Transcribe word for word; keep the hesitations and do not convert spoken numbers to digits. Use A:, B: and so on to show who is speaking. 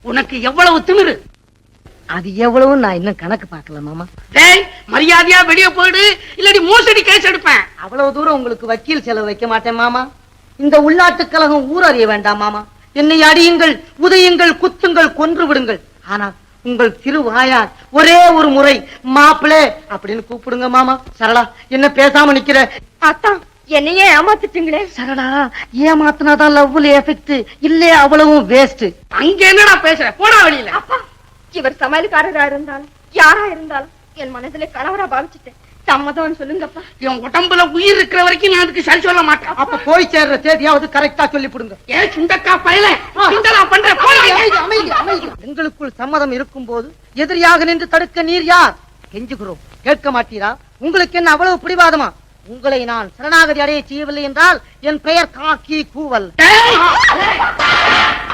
A: உனக்கு எவ்வளவு திமிரு?
B: அது எவ்வளவு நான் இன்னும் கணக்கு பார்க்கல மாமா.
A: டேய், மரியாதையா வெளியே போயிடு, இல்லாட்டி மோசடி கேஸ் எடுப்பேன்.
B: அவ்வளவு தூரம் உங்களுக்கு வக்கீல் செலவு வைக்க மாட்டேன் மாமா. இந்த உள்நாட்டு கழகம் ஊர் அறிய வேண்டாம் மாமா. என்னை அடியுங்கள், உதயுங்கள், குத்துங்கள், கொன்று விடுங்கள். ஆனால் உங்கள் திருவாயார் ஒரே ஒரு முறை மாப்பிளே அப்படின்னு கூப்பிடுங்க மாமா. சரளா, என்ன பேசாம நிக்கிற?
C: அத்தா, என்னையே ஏமாத்திட்டீங்களே.
B: சரளா, ஏமாத்தினாதான் லவ்ல எஃபெக்ட், இல்ல அவ்வளவும் வேஸ்ட்.
A: அங்க என்னடா பேசுற? போடா வெளியில.
C: அப்பா, இவர் சமையல்காரரா இருந்தாலும் யாரா இருந்தாலும் என் மனதிலே கணவரா பாவிச்சுட்டேன். சம்மதம் சொல்லுங்கப்பா.
A: என் உடம்புல உயிர் இருக்கிற வரைக்கும் நான் அதுக்கு சரி சொல்ல மாட்டேன்.
B: அப்ப போய் சேர்ற தேதியாவது கரெக்டா சொல்லி புடுங்க.
A: ஏன் சுண்டக்கா பயல கிண்டலா பண்ற? போடா.
B: அமைதி, அமைதி, அமைதி. எங்களுக்குள் சம்மதம் இருக்கும் போது எதிரியாக நின்று தடுக்க நீர் யார்? கெஞ்சுகிறோம், கேட்க மாட்டீரா? உங்களுக்கு என்ன அவ்வளவு பிடிவாதமா? உங்களை நான் சரணாகதி அடைய செய்யவில்லை என்றால் என் பெயர் காக்கி கூவல்.
A: டேய்,